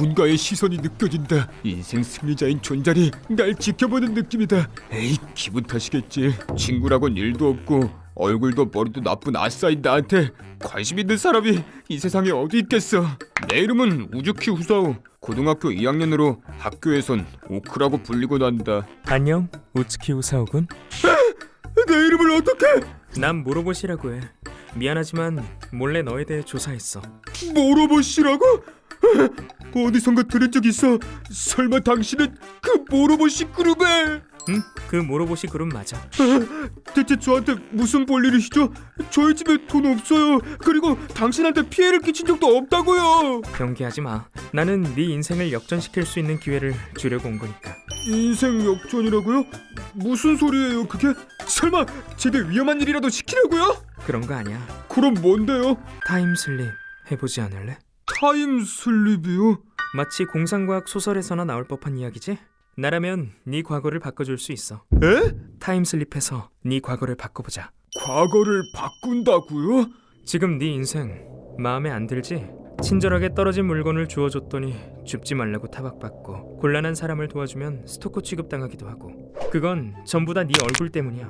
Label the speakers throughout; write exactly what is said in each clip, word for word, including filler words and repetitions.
Speaker 1: 누군가의 시선이 느껴진다. 인생 승리자인 존잘이 날 지켜보는 느낌이다. 에이, 기분 탓이겠지. 친구라곤 일도 없고 얼굴도 머리도 나쁜 아싸인 나한테 관심 있는 사람이 이 세상에 어디 있겠어. 내 이름은 우즈키 후사오. 고등학교 이 학년으로 학교에선 오크라고 불리곤 한다.
Speaker 2: 안녕, 우츠키 우사오군.
Speaker 1: 내 이름을 어떻게?
Speaker 2: 난 모로보시라고 해. 미안하지만 몰래 너에 대해 조사했어.
Speaker 1: 모로보시라고? 어디선가 들은 적 있어. 설마 당신은 그 모로보시 그룹에?
Speaker 2: 응, 그 모로보시 그룹 맞아.
Speaker 1: 대체 저한테 무슨 볼일이시죠? 저희 집에 돈 없어요. 그리고 당신한테 피해를 끼친 적도 없다고요.
Speaker 2: 경계하지 마. 나는 네 인생을 역전시킬 수 있는 기회를 주려고 온 거니까.
Speaker 1: 인생 역전이라고요? 무슨 소리예요 그게? 설마 제게 위험한 일이라도 시키려고요?
Speaker 2: 그런 거 아니야.
Speaker 1: 그럼 뭔데요?
Speaker 2: 타임슬립 해보지 않을래?
Speaker 1: 타임슬립이요?
Speaker 2: 마치 공상과학 소설에서나 나올 법한 이야기지? 나라면 네 과거를 바꿔줄 수 있어.
Speaker 1: 에?
Speaker 2: 타임슬립해서 네 과거를 바꿔보자.
Speaker 1: 과거를 바꾼다고요?
Speaker 2: 지금 네 인생 마음에 안 들지? 친절하게 떨어진 물건을 주워줬더니 줍지 말라고 타박받고, 곤란한 사람을 도와주면 스토커 취급당하기도 하고, 그건 전부 다 네 얼굴 때문이야.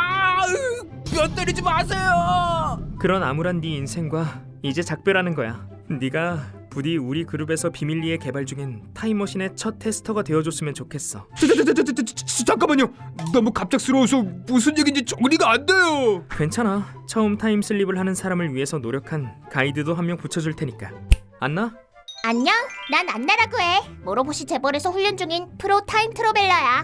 Speaker 1: 뼈 때리지 마세요.
Speaker 2: 그런 암울한 네 인생과 이제 작별하는 거야. 네가 부디 우리 그룹에서 비밀리에 개발 중인 타임머신의 첫 테스터가 되어줬으면 좋겠어.
Speaker 1: 잠깐만요. 너무 갑작스러워서 무슨 얘기인지 정리가 안 돼요.
Speaker 2: 괜찮아. 처음 타임슬립을 하는 사람을 위해서 노력한 가이드도 한 명 붙여줄 테니까. 안나?
Speaker 3: 안녕, 난 안나라고 해. 모로보시 재벌에서 훈련 중인 프로 타임 트러벨러야.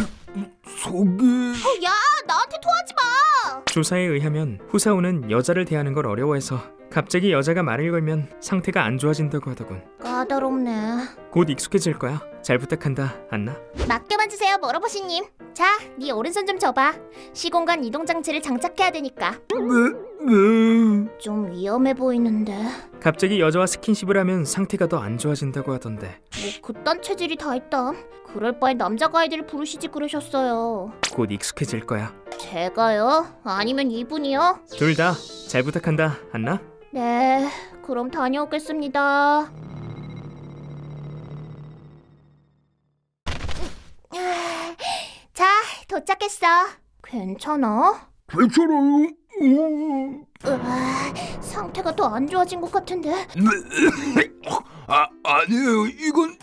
Speaker 1: 속이...
Speaker 3: 어, 야, 나한테 토하지 마.
Speaker 2: 조사에 의하면 후사오는 여자를 대하는 걸 어려워해서 갑자기 여자가 말을 걸면 상태가 안 좋아진다고 하더군.
Speaker 3: 까다롭네.
Speaker 2: 곧 익숙해질 거야. 잘 부탁한다, 안나.
Speaker 3: 맡겨만 주세요, 모로보시님. 자, 네 오른손 좀 줘봐. 시공간 이동 장치를 장착해야 되니까.
Speaker 1: 네, 네.
Speaker 3: 좀 위험해 보이는데.
Speaker 2: 갑자기 여자와 스킨십을 하면 상태가 더 안 좋아진다고 하던데.
Speaker 3: 뭐 그딴 체질이 다 있다. 그럴 바엔 남자 가이드를 부르시지 그러셨어요.
Speaker 2: 곧 익숙해질 거야.
Speaker 3: 제가요? 아니면 이분이요?
Speaker 2: 둘 다 잘 부탁한다, 안나.
Speaker 3: 네, 그럼 다녀오겠습니다. 자, 도착했어. 괜찮아?
Speaker 1: 괜찮아요. 음.
Speaker 3: 으아, 상태가 더 안 좋아진 것 같은데.
Speaker 1: 아, 아니에요. 이건...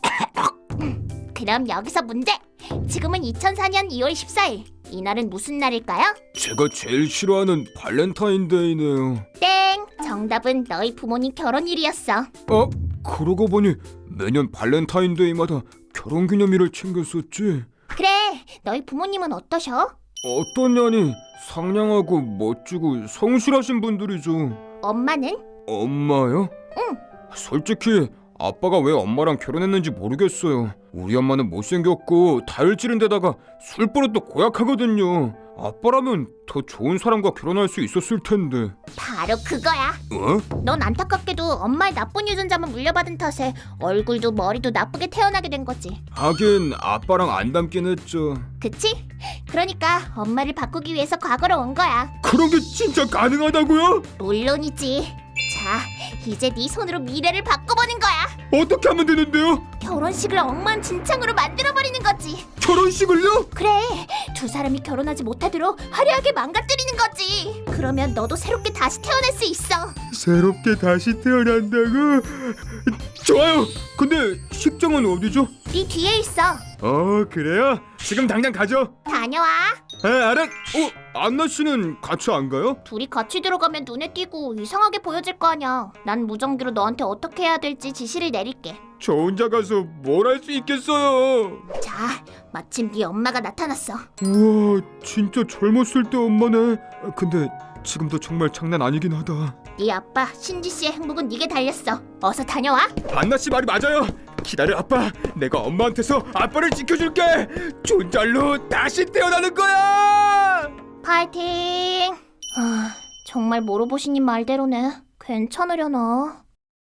Speaker 3: 그럼 여기서 문제. 지금은 이천사 년 이월 십사일. 이날은 무슨 날일까요?
Speaker 1: 제가 제일 싫어하는 발렌타인데이네요.
Speaker 3: 땡! 정답은 너희 부모님 결혼일이었어.
Speaker 1: 아, 그러고 보니 매년 발렌타인데이마다 결혼기념일을 챙겼었지.
Speaker 3: 그래, 너희 부모님은 어떠셔?
Speaker 1: 어떠냐니 상냥하고 멋지고 성실하신 분들이죠.
Speaker 3: 엄마는?
Speaker 1: 엄마요?
Speaker 3: 응.
Speaker 1: 솔직히 아빠가 왜 엄마랑 결혼했는지 모르겠어요. 우리 엄마는 못생겼고 다혈질인 데다가 술버릇도 고약하거든요. 아빠라면 더 좋은 사람과 결혼할 수 있었을 텐데.
Speaker 3: 바로 그거야.
Speaker 1: 어?
Speaker 3: 넌 안타깝게도 엄마의 나쁜 유전자만 물려받은 탓에 얼굴도 머리도 나쁘게 태어나게 된 거지.
Speaker 1: 하긴 아빠랑 안 닮긴 했죠.
Speaker 3: 그치? 그러니까 엄마를 바꾸기 위해서 과거로 온 거야.
Speaker 1: 그런 게 진짜 가능하다고요?
Speaker 3: 물론이지. 자, 이제 네 손으로 미래를 바꿔보는 거야.
Speaker 1: 어떻게 하면 되는데요?
Speaker 3: 결혼식을 엉망진창으로 만들어버리는 거지.
Speaker 1: 결혼식을요?
Speaker 3: 그래, 두 사람이 결혼하지 못하도록 화려하게 망가뜨리는 거지. 그러면 너도 새롭게 다시 태어날 수 있어.
Speaker 1: 새롭게 다시 태어난다고? 좋아요. 근데 식장은 어디죠?
Speaker 3: 네 뒤에 있어.
Speaker 1: 어, 그래요? 지금 당장 가죠.
Speaker 3: 다녀와.
Speaker 1: 에, 알았. 어, 안나 씨는 같이 안 가요?
Speaker 3: 둘이 같이 들어가면 눈에 띄고 이상하게 보여질 거 아니야. 난 무전기로 너한테 어떻게 해야 될지 지시를 내릴게.
Speaker 1: 저 혼자 가서 뭘 할 수 있겠어요.
Speaker 3: 자, 마침 네 엄마가 나타났어.
Speaker 1: 우와, 진짜 젊었을 때 엄마네. 아, 근데 지금도 정말 장난 아니긴 하다.
Speaker 3: 네 아빠 신지 씨의 행복은 네게 달렸어. 어서 다녀와.
Speaker 1: 안나 씨 말이 맞아요. 기다려 아빠. 내가 엄마한테서 아빠를 지켜줄게. 존잘로 다시 태어나는 거야.
Speaker 3: 파이팅. 아, 정말 모로보시님 말대로네. 괜찮으려나?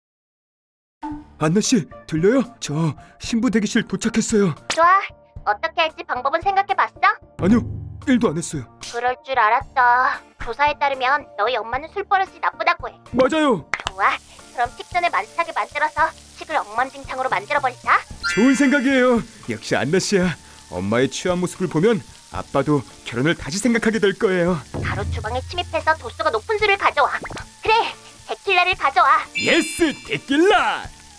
Speaker 1: 안나 씨 들려요? 저 신부 대기실 도착했어요.
Speaker 3: 좋아. 어떻게 할지 방법은 생각해봤어?
Speaker 1: 아니요, 일도 안 했어요.
Speaker 3: 그럴 줄 알았어. 조사에 따르면 너희 엄마는 술버릇이 나쁘다고 해.
Speaker 1: 맞아요.
Speaker 3: 좋아. 그럼 식전에 만삭하게 만들어서 규칙을 엉망진창으로 만들어버리자.
Speaker 1: 좋은 생각이에요. 역시 안나 씨야. 엄마의 취한 모습을 보면 아빠도 결혼을 다시 생각하게 될 거예요.
Speaker 3: 바로 주방에 침입해서 도수가 높은 술을 가져와. 그래, 데킬라를 가져와.
Speaker 1: 예스, 데킬라.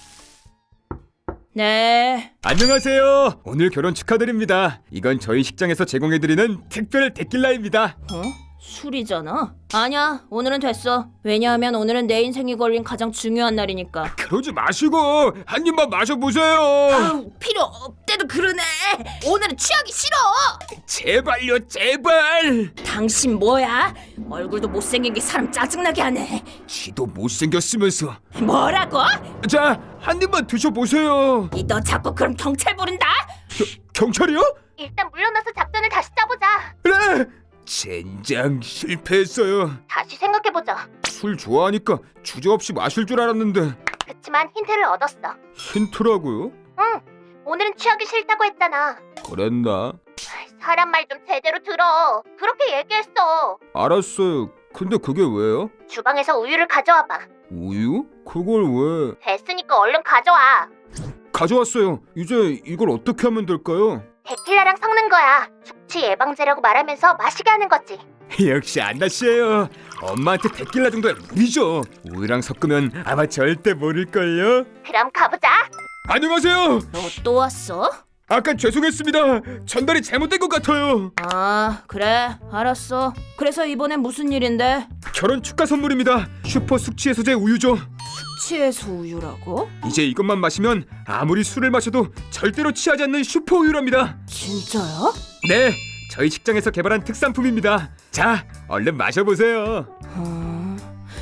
Speaker 3: 네.
Speaker 1: 안녕하세요. 오늘 결혼 축하드립니다. 이건 저희 식장에서 제공해드리는 특별 데킬라입니다.
Speaker 3: 어? 술이잖아. 아니야, 오늘은 됐어. 왜냐하면 오늘은 내 인생이 걸린 가장 중요한 날이니까.
Speaker 1: 그러지 마시고 한 입만 마셔보세요.
Speaker 3: 아우, 필요 없대도 그러네. 오늘은 취하기 싫어.
Speaker 1: 제발요, 제발.
Speaker 3: 당신 뭐야? 얼굴도 못생긴 게 사람 짜증나게 하네.
Speaker 1: 지도 못생겼으면서.
Speaker 3: 뭐라고?
Speaker 1: 자, 한 입만 드셔보세요.
Speaker 3: 이 너 자꾸 그럼 경찰 부른다?
Speaker 1: 겨, 경찰이요?
Speaker 3: 일단 물러나서 작전을 다시 짜보자.
Speaker 1: 그래. 젠장, 실패했어요.
Speaker 3: 다시 생각해보자.
Speaker 1: 술 좋아하니까 주저없이 마실 줄 알았는데.
Speaker 3: 그치만 힌트를 얻었어.
Speaker 1: 힌트라고요?
Speaker 3: 응, 오늘은 취하기 싫다고 했잖아.
Speaker 1: 그랬나?
Speaker 3: 사람 말 좀 제대로 들어. 그렇게 얘기했어.
Speaker 1: 알았어요. 근데 그게 왜요?
Speaker 3: 주방에서 우유를 가져와봐.
Speaker 1: 우유? 그걸 왜?
Speaker 3: 됐으니까 얼른 가져와.
Speaker 1: 가져왔어요. 이제 이걸 어떻게 하면 될까요?
Speaker 3: 데킬라랑 섞는 거야. 숙취 예방제라고 말하면서 마시게 하는 거지.
Speaker 1: 역시 안나 씨예요. 엄마한테 데킬라 정도야 무리죠. 우유랑 섞으면 아마 절대 모를걸요.
Speaker 3: 그럼 가보자.
Speaker 1: 안녕하세요.
Speaker 3: 너 또 왔어?
Speaker 1: 아까 죄송했습니다. 전달이 잘못된 것 같아요.
Speaker 3: 아, 그래. 알았어. 그래서 이번엔 무슨 일인데?
Speaker 1: 결혼 축하 선물입니다. 슈퍼 숙취 해소제 우유죠.
Speaker 3: 취해서 우유라고?
Speaker 1: 이제 이것만 마시면 아무리 술을 마셔도 절대로 취하지 않는 슈퍼 우유랍니다.
Speaker 3: 진짜야?
Speaker 1: 네, 저희 식장에서 개발한 특산품입니다. 자, 얼른 마셔보세요.
Speaker 3: 어...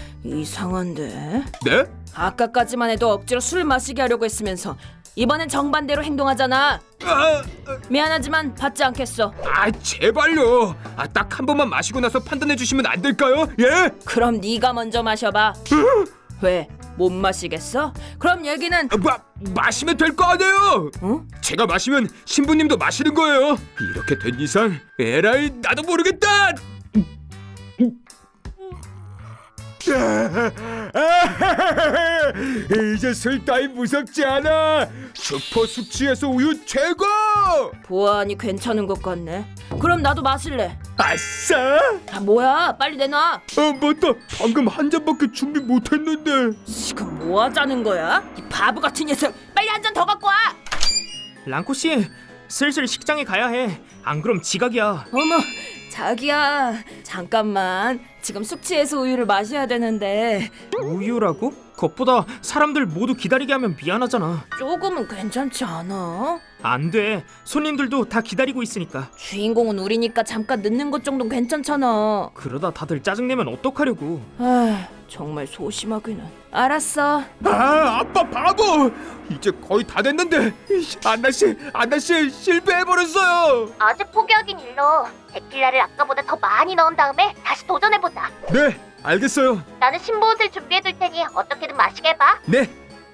Speaker 3: 이상한데?
Speaker 1: 네?
Speaker 3: 아까까지만 해도 억지로 술 마시게 하려고 했으면서 이번엔 정반대로 행동하잖아.
Speaker 1: 아,
Speaker 3: 미안하지만 받지 않겠어.
Speaker 1: 아 제발요. 아, 딱 한 번만 마시고 나서 판단해 주시면 안 될까요? 예?
Speaker 3: 그럼 네가 먼저 마셔봐. 왜? 못 마시겠어? 그럼 얘기는
Speaker 1: 아, 마, 마시면 될 거 아니에요.
Speaker 3: 어?
Speaker 1: 제가 마시면 신부님도 마시는 거예요. 이렇게 된 이상 에라이 나도 모르겠다. 이제 술 따위 무섭지 않아. 슈퍼 숙취해서 우유 최고.
Speaker 3: 보아하니 괜찮은 것 같네. 그럼 나도 마실래.
Speaker 1: 아싸.
Speaker 3: 아, 뭐야? 빨리 내놔.
Speaker 1: 아 맞다. 방금 한 잔밖에 준비 못했는데.
Speaker 3: 지금 뭐 하자는 거야? 이 바보 같은 녀석. 빨리 한 잔 더 갖고 와.
Speaker 2: 랑코 씨, 슬슬 식장에 가야 해. 안 그럼 지각이야.
Speaker 3: 어머, 자기야. 잠깐만. 지금 숙취해서 우유를 마셔야 되는데
Speaker 2: 우유라고? 그것보다 사람들 모두 기다리게 하면 미안하잖아.
Speaker 3: 조금은 괜찮지 않아?
Speaker 2: 안 돼. 손님들도 다 기다리고 있으니까.
Speaker 3: 주인공은 우리니까 잠깐 늦는 것 정도는 괜찮잖아.
Speaker 2: 그러다 다들 짜증내면 어떡하려고.
Speaker 3: 아, 정말 소심하기는. 알았어.
Speaker 1: 아 아빠 바보. 이제 거의 다 됐는데. 이씨, 안나 씨, 안나 씨 실패해버렸어요.
Speaker 3: 아직 포기하긴 일러. 데킬라를 아까보다 더 많이 넣은 다음에 다시 도전해보자.
Speaker 1: 네, 알겠어요.
Speaker 3: 나는 신보옷을 준비해둘 테니 어떻게든 마시게 해봐.
Speaker 1: 네.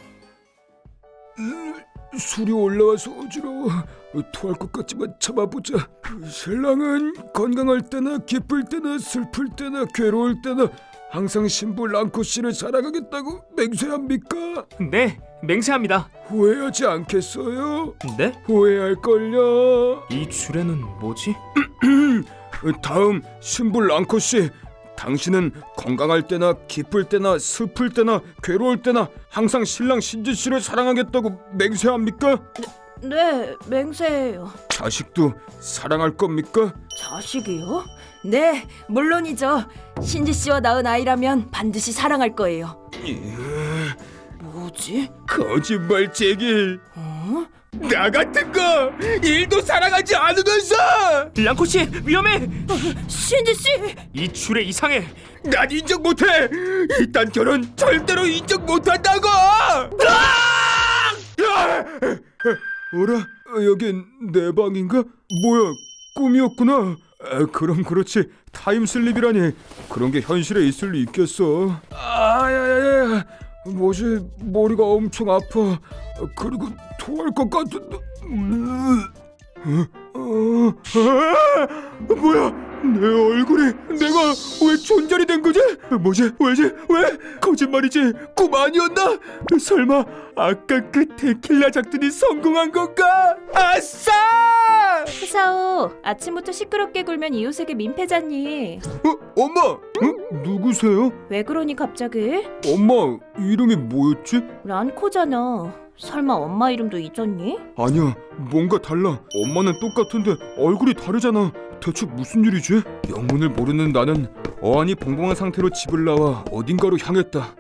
Speaker 1: 음, 술이 올라와서 어지러워. 토할 것 같지만 참아보자. 신랑은 건강할 때나 기쁠 때나 슬플 때나 괴로울 때나 항상 신부 랑코 씨를 사랑하겠다고 맹세합니까?
Speaker 2: 네, 맹세합니다.
Speaker 1: 후회하지 않겠어요?
Speaker 2: 네?
Speaker 1: 후회할걸요.
Speaker 2: 이 줄에는 뭐지?
Speaker 1: 다음 신부 랑코 씨, 당신은 건강할 때나 기쁠 때나 슬플 때나 괴로울 때나 항상 신랑 신지 씨를 사랑하겠다고 맹세합니까?
Speaker 3: 네, 맹세해요.
Speaker 1: 자식도 사랑할 겁니까?
Speaker 3: 자식이요? 네, 물론이죠. 신지 씨와 낳은 아이라면 반드시 사랑할 거예요. 뭐지?
Speaker 1: 거짓말쟁이.
Speaker 3: 어?
Speaker 1: 나 같은 거 일도 사랑하지 않으면서
Speaker 2: 랑코 씨, 위험해.
Speaker 3: 신지 씨!
Speaker 2: 이 줄에 이상해.
Speaker 1: 난 인정 못해. 이딴 결혼 절대로 인정 못한다고. 아! 어라? 여긴 내 방인가? 뭐야, 꿈이었구나. 아, 그럼 그렇지. 타임슬립이라니. 그런 게 현실에 있을 리 있겠어. 아야야야, 뭐지? 머리가 엄청 아파. 그리고 토할 것 같은데. 음. 어? 어? 아! 뭐야? 내 얼굴에 내가 왜 존잘이 된 거지? 뭐지? 왜지? 왜? 거짓말이지? 꿈 아니었나? 설마 아까 그 데킬라 작전이 성공한 건가? 아싸!
Speaker 4: 후사오, 아침부터 시끄럽게 굴면 이웃에게 민폐잖니.
Speaker 1: 어? 엄마! 어? 누구세요?
Speaker 4: 왜 그러니 갑자기?
Speaker 1: 엄마 이름이 뭐였지?
Speaker 4: 란코잖아. 설마 엄마 이름도 잊었니?
Speaker 1: 아니야, 뭔가 달라. 엄마는 똑같은데 얼굴이 다르잖아. 대체 무슨 일이지? 영문을 모르는 나는 어안이 벙벙한 상태로 집을 나와 어딘가로 향했다.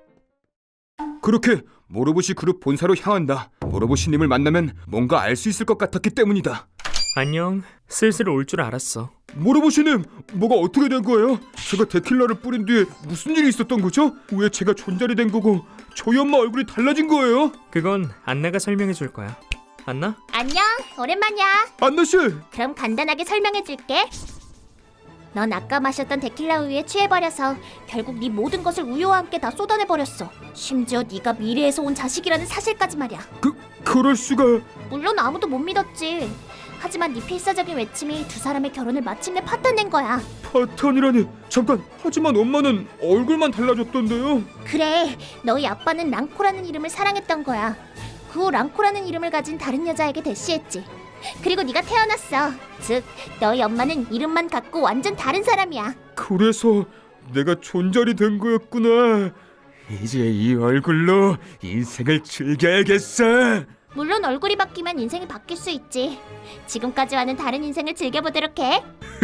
Speaker 1: 그렇게 모로보시 그룹 본사로 향한다. 모로보시님을 만나면 뭔가 알 수 있을 것 같았기 때문이다.
Speaker 2: 안녕. 슬슬 올 줄 알았어.
Speaker 1: 모로보시님, 뭐가 어떻게 된 거예요? 제가 데킬라를 뿌린 뒤에 무슨 일이 있었던 거죠? 왜 제가 존잘이 된 거고 저희 엄마 얼굴이 달라진 거예요?
Speaker 2: 그건 안나가 설명해 줄 거야. 안나?
Speaker 3: 안녕, 오랜만이야.
Speaker 1: 안나 씨!
Speaker 3: 그럼 간단하게 설명해줄게. 넌 아까 마셨던 데킬라 우유에 취해버려서 결국 네 모든 것을 우유와 함께 다 쏟아내버렸어. 심지어 네가 미래에서 온 자식이라는 사실까지 말이야.
Speaker 1: 그, 그럴 수가...
Speaker 3: 물론 아무도 못 믿었지. 하지만 네 필사적인 외침이 두 사람의 결혼을 마침내 파탄낸 거야.
Speaker 1: 파탄이라니... 잠깐, 하지만 엄마는 얼굴만 달라졌던데요?
Speaker 3: 그래, 너희 아빠는 랑코라는 이름을 사랑했던 거야. 그 후 랑코라는 이름을 가진 다른 여자에게 대시했지. 그리고 네가 태어났어. 즉, 너희 엄마는 이름만 갖고 완전 다른 사람이야.
Speaker 1: 그래서 내가 존잘이 된 거였구나. 이제 이 얼굴로 인생을 즐겨야겠어.
Speaker 3: 물론 얼굴이 바뀌면 인생이 바뀔 수 있지. 지금까지와는 다른 인생을 즐겨보도록 해.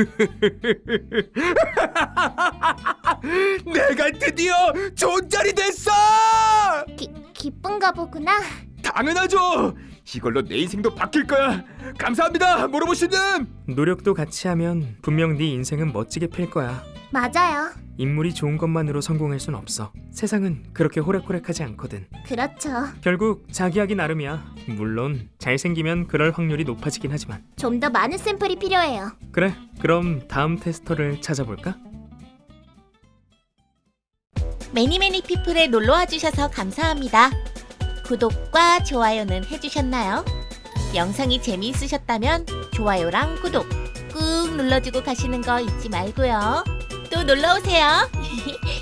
Speaker 1: 내가 드디어 존잘이 됐어!
Speaker 3: 기, 기쁜가 보구나.
Speaker 1: 당연하죠. 이걸로 내 인생도 바뀔 거야. 감사합니다, 모로보시님.
Speaker 2: 노력도 같이 하면 분명 네 인생은 멋지게 필 거야.
Speaker 3: 맞아요.
Speaker 2: 인물이 좋은 것만으로 성공할 순 없어. 세상은 그렇게 호락호락하지 않거든.
Speaker 3: 그렇죠.
Speaker 2: 결국 자기 하기 나름이야. 물론 잘생기면 그럴 확률이 높아지긴 하지만.
Speaker 3: 좀 더 많은 샘플이 필요해요.
Speaker 2: 그래, 그럼 다음 테스터를 찾아볼까?
Speaker 5: 매니매니 피플에 놀러와 주셔서 감사합니다. 구독과 좋아요는 해주셨나요? 영상이 재미있으셨다면 좋아요랑 구독 꾹 눌러주고 가시는 거 잊지 말고요. 또 놀러오세요.